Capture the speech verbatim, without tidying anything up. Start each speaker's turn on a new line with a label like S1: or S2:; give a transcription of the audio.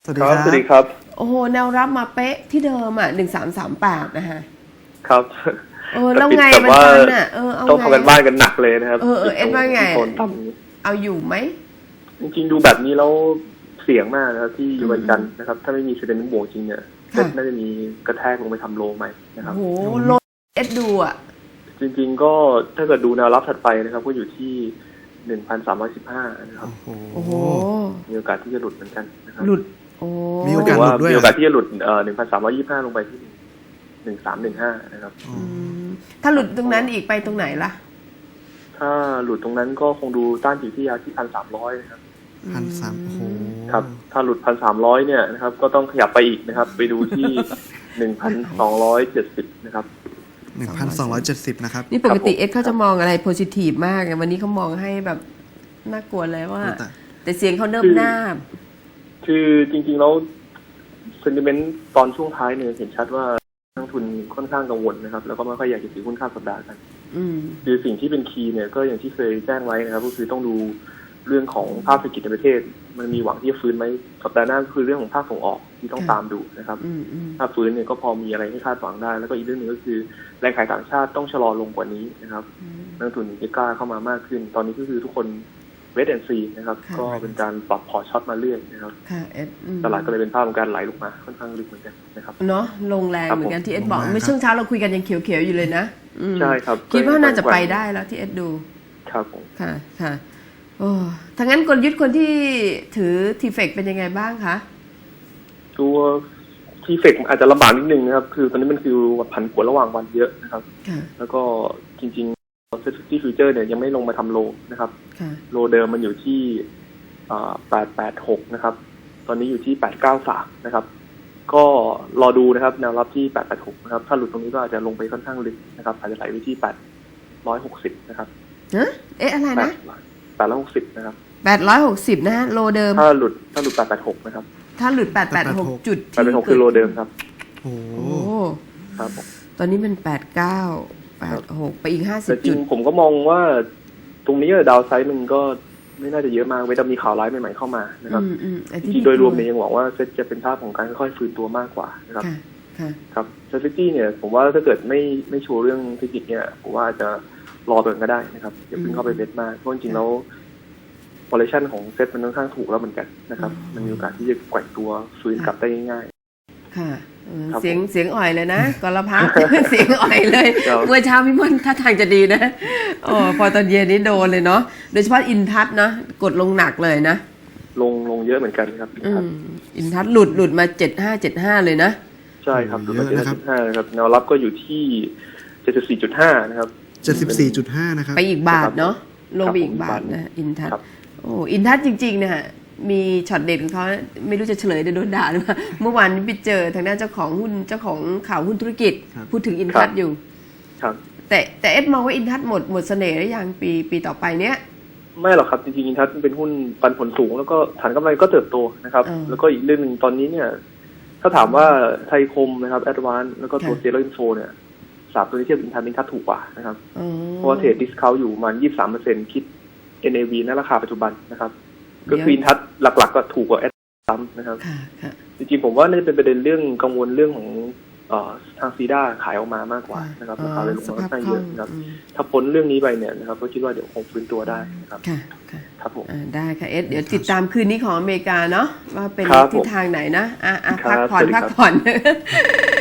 S1: สวัสดีครับ
S2: สวัสดีครับ
S3: โอ้โหแนวรับมาเป๊ะที่เดิมอ่ะหนึ่งสามสามแปดนะฮะ
S2: ครับ
S3: เออแล้วไง
S2: แต่
S3: มัน
S2: ว่า
S3: ทันอ่ะเออเอา
S2: ต้อง
S3: ไง
S2: ทำกันบ้านกันหนักเลยนะครับ
S3: เออเออเอ็ดว่าไง
S2: โซนต่ำนี้
S3: เอาอยู่ไหม
S2: จริงๆดูแบบนี้แล้วเสี่ยงมากนะครับที่อยู่วันจันทร์นะครับถ้าไม่มีเซนติเมนต์บวกจริงเนี่ยเซ็ตน่าจะมีกระแทกลงไปทำโลใหม่นะครับ
S3: โอ้โหโลเอ็ดดูอ่ะ
S2: จริงๆก็ถ้าเกิดดูแนวรับถัดไปนะครับก็อยู่ที่หนึ่งพันสามร้อยสิบห้านะครับ
S3: โอ้โห
S2: มีโอกาสที่จะหลุดเหมือนกันนะครับ
S3: หลุดโอ้
S1: มีโอกาสหลุดด้วย
S2: มีโอกาสที่จะหลุดเอ่อหนึ่งพันสามร้อยยี่สิบห้าลงไปที่หนึ่งสามหนึ่งห้านะครับ
S3: อืมถ้าหลุดตรงนั้นอีกไปตรงไหนล่ะ
S2: ถ้าหลุดตรงนั้นก็คงดูต้านอยู่ที่ยาที่พันสามร้อยนะครับ
S1: พันสามโอ้โห
S2: ครับถ้าหลุดพันสามร้อยเนี่ยนะครับก็ต้องขยับไปอีกนะครับ ไปดูที่หนึ่งพันสองร้อยเจ็ดสิบนะครับ
S1: หนึ่งพันสองร้อยเจ็ดสิบนะครับ
S3: นี่ปกติเอ็ดเขาจะมองอะไรโพซิทีฟมากไงวันนี้เขามองให้แบบน่ากลัวเลยว่า
S1: แต่
S3: แต่เสียงเขาเนิบหน้าบ
S2: คือจริงๆแล้วเซนติเมนต์ตอนช่วงท้ายเนี่ยเห็นชัดว่านักลงทุนค่อนข้างกังวลนะครับแล้วก็ไม่ค่อยอยากจะถือหุ้นข้ามสัปดาห์กัน
S3: อืม
S2: คือสิ่งที่เป็นคีย์เนี่ยก็อย่างที่เคยแจ้งไว้นะครับก็คือต้องดูเรื่องของภาพเศรษฐกิจในประเทศ มันมีหวังที่จะฟื้นไหมสัปดาห์หน้าก็คือเรื่องของภาคส่งออกที่ต้องตามดูนะครับ
S3: อืมอืม
S2: ถ้าฟื้นเนี่ยก็พอมีอะไรให้คาดหวังได้ แล้วก็อีกเรื่องหนึ่งก็คือแรงขายต่างชาติต้องชะลอลงกว่านี้นะครับนักลงทุนจะกล้าเข้ามามากขึ้น ตอนนี้ก็คือทุกคนเวทแอนซีนะครับก็เป็นการปรับพอร์ตช็อตมาเรื่อยนะครับ
S3: ค่ะเอ็ดอืม
S2: ตลาดก็เลยเป็นภาพของการไหลลงมาค่อนข้างลึกเหมือนกันนะครับ
S3: เนาะลงแรงเหมือนกันที่เอ็ดบอก
S1: ลงแรง
S3: เมื่อช่วงเช้าเราคุยกันยังเขียวๆอยู่เลยนะอืม
S2: ใช่ครับ
S3: คิดว่าน่าจะไปได้แล้วที่เอ็ดดู
S2: ครับผม
S3: ค่ะค่ะโอ้ถ้างั้นกลยุทธ์คนที่ถือทีเฟกเป็นยังไงบ้างคะ
S2: ตัวทีเฟกอาจจะลำบากนิดนึงนะครับคือตอนนี้มันคือผันผวนระหว่างวันเยอะนะครับ
S3: ค่ะ
S2: แล้วก็จริงๆเซ็ตฟิวเจอร์เนี่ยยังไม่ลงมาทำโลนะครับ
S3: ค่ะ
S2: โลเดิมมันอยู่ที่แปดแปดหกนะครับ ตอนนี้อยู่ที่แปดเก้าสามนะครับ ก็รอดูนะครับแนวรับที่แปดแปดหกนะครับ ถ้าหลุดตรงนี้ก็อาจจะลงไปค่อนข้างลึกนะครับ อาจจะไหลไปที่แปดร้อยหกสิบนะครับ
S3: ฮะเอ๊ะอะไรนะ
S2: แปดร้อยหกสิบนะครับ
S3: แปดร้อยหกสิบนะฮะโลเดิม
S2: ถ้าหลุดถ้าหลุดแปดแปดหกนะครับ
S3: ถ้าหลุดแปดแปดหกจุด
S2: แปดแปดหกคือโลเดิมครับ
S1: โอ้
S3: โอ้
S2: ครับผม
S3: ตอนนี้มันแปดเก้าแปดหกไปอีกห้าสิ
S2: แต่
S3: บ
S2: จริ
S3: จุ
S2: ง
S3: ด
S2: ผมก็มองว่าตรงนี้ดาวไซด์มันก็ไม่น่าจะเยอะมากเว้นแต่มีข่าวร้ายใหม่ๆเข้ามานะครับ
S3: อืมอืมไอ้
S2: จ
S3: ที่
S2: ริงๆโดยรวมเนี่ยยังหวังว่าเซ็ตจะเป็นภาพของการค่อยๆฟื้นตัวมากกว่านะครับ
S3: ค่ะค่ะ
S2: ครับเซฟตี้เนี่ยผมว่าถ้าเกิดไม่ไม่โชว์เรื่องเทคนิคเนี่ยผมว่าจะรอเปิดก็ได้นะครับอย่าเพิ่งเข้าไปเบ็ดมากเพราะจริงๆแล้ว valuation ของเซ็ตมันค่อนข้างถูกแล้วเหมือนกันนะครับมันมีโอกาสที่จะแกว่งตัวฟื้นกลับได้ง่าย
S3: ค่ะเออ
S2: ครับ
S3: เสียงเสียงอ่อยเลยนะกรพัฒน์ เสียงอ่อยเลย
S2: ครับ
S3: เมื่อเช้าพี่มอนท่าทางจะดีนะโอ้พอตอนเย็นนี้โดนเลยเนาะโดยเฉพาะอินทัศน์นะกดลงหนักเลยนะ
S2: ๆลงลงเยอะเหมือนกันครับ
S3: อืมอินทัศน์หลุดหลุดมาเจ็ดห้าเจ็ดห้าเลยนะ
S2: ใช่ครับดูมาเจ็ดจุดห้านะครับแนวรับก็อยู่ที่เจ็ดสิบสี่จุดห้านะครับ
S1: เจ็ดสิบสี่จุดห้านะครับ
S3: ไปอีกบาทเนาะลงไป
S2: ครับ
S3: อีกบาท
S2: ผม
S3: นะอินทัศ
S2: ครั
S3: น์
S2: บ
S3: โอ้อินทัศน์จริงๆเนี่ยมีช็อตเด็ดของเขาไม่รู้จะเฉลยเดี๋ยวโดนด่าหรือเปล่าเมื่อวานนี้ไปเจอทางด้านเจ้าของหุ้นเจ้าของข่าวหุ้นธุรกิจ
S1: ครับ
S3: พูดถึงอินทัศน์อยู่
S2: ครับ
S3: แต่แต่เอ็ดมองว่าอินทัศน์หมดหมดเสน่ห์หรือยังปีปีต่อไปเนี้ย
S2: ไม่หรอกครับจริงๆอินทัศน์เป็นหุ้นปันผลสูงแล้วก็ฐานกำไรก็เติบโตนะครับ
S3: อ่า
S2: แล้วก็อีกเรื่องหนึ่งตอนนี้เนี่ยถ้าถามว่าไทยคมนะครับแอดวานแล้วก็ตัว
S3: ค่ะ
S2: เซโรอินโฟเนี่ยสามตัวนี้เทียบอินทัศน์อินทัศน์ถูกกว่านะครับ
S3: อ๋อ
S2: เพราะว่าเทรดดิสเคาท์อยู่ประมาณ ยี่สิบสามเปอร์เซ็นต์ คิด เอ็น เอ วี ณราคาปัจจุบันนะครับ ก็คืออินทัศน์หลักๆก็ถูกกว่าแอดซ้ำนะครับ
S3: ค่ะค่ะ
S2: จริงๆผมว่าน่าจะเป็นประเด็นเรื่องกังวลเรื่องของเอ่อทางซีด้าขายออกมามากกว่านะครับราคาเลยลงมาค่อนข้างเยอะนะครับ
S3: อืม
S2: ถ้าพ้นเรื่องนี้ไปเนี่ยนะครับก็คิดว่าเดี๋ยวคงฟื้นตัวได้นะครับ
S3: ค่ะค่ะ
S2: ครับผม
S3: อ่าได้ค่ะเอ็ดเดี๋ยวติดตามคืนนี้ของอเมริกาเนาะว่าเป็น
S2: ครับผม
S3: ทิศทางไหนนะอ่ะอ่ะ
S2: ครั
S3: พัก
S2: บ
S3: ผ่อน
S2: สวัสดีครั
S3: พั
S2: บ
S3: กผ่อน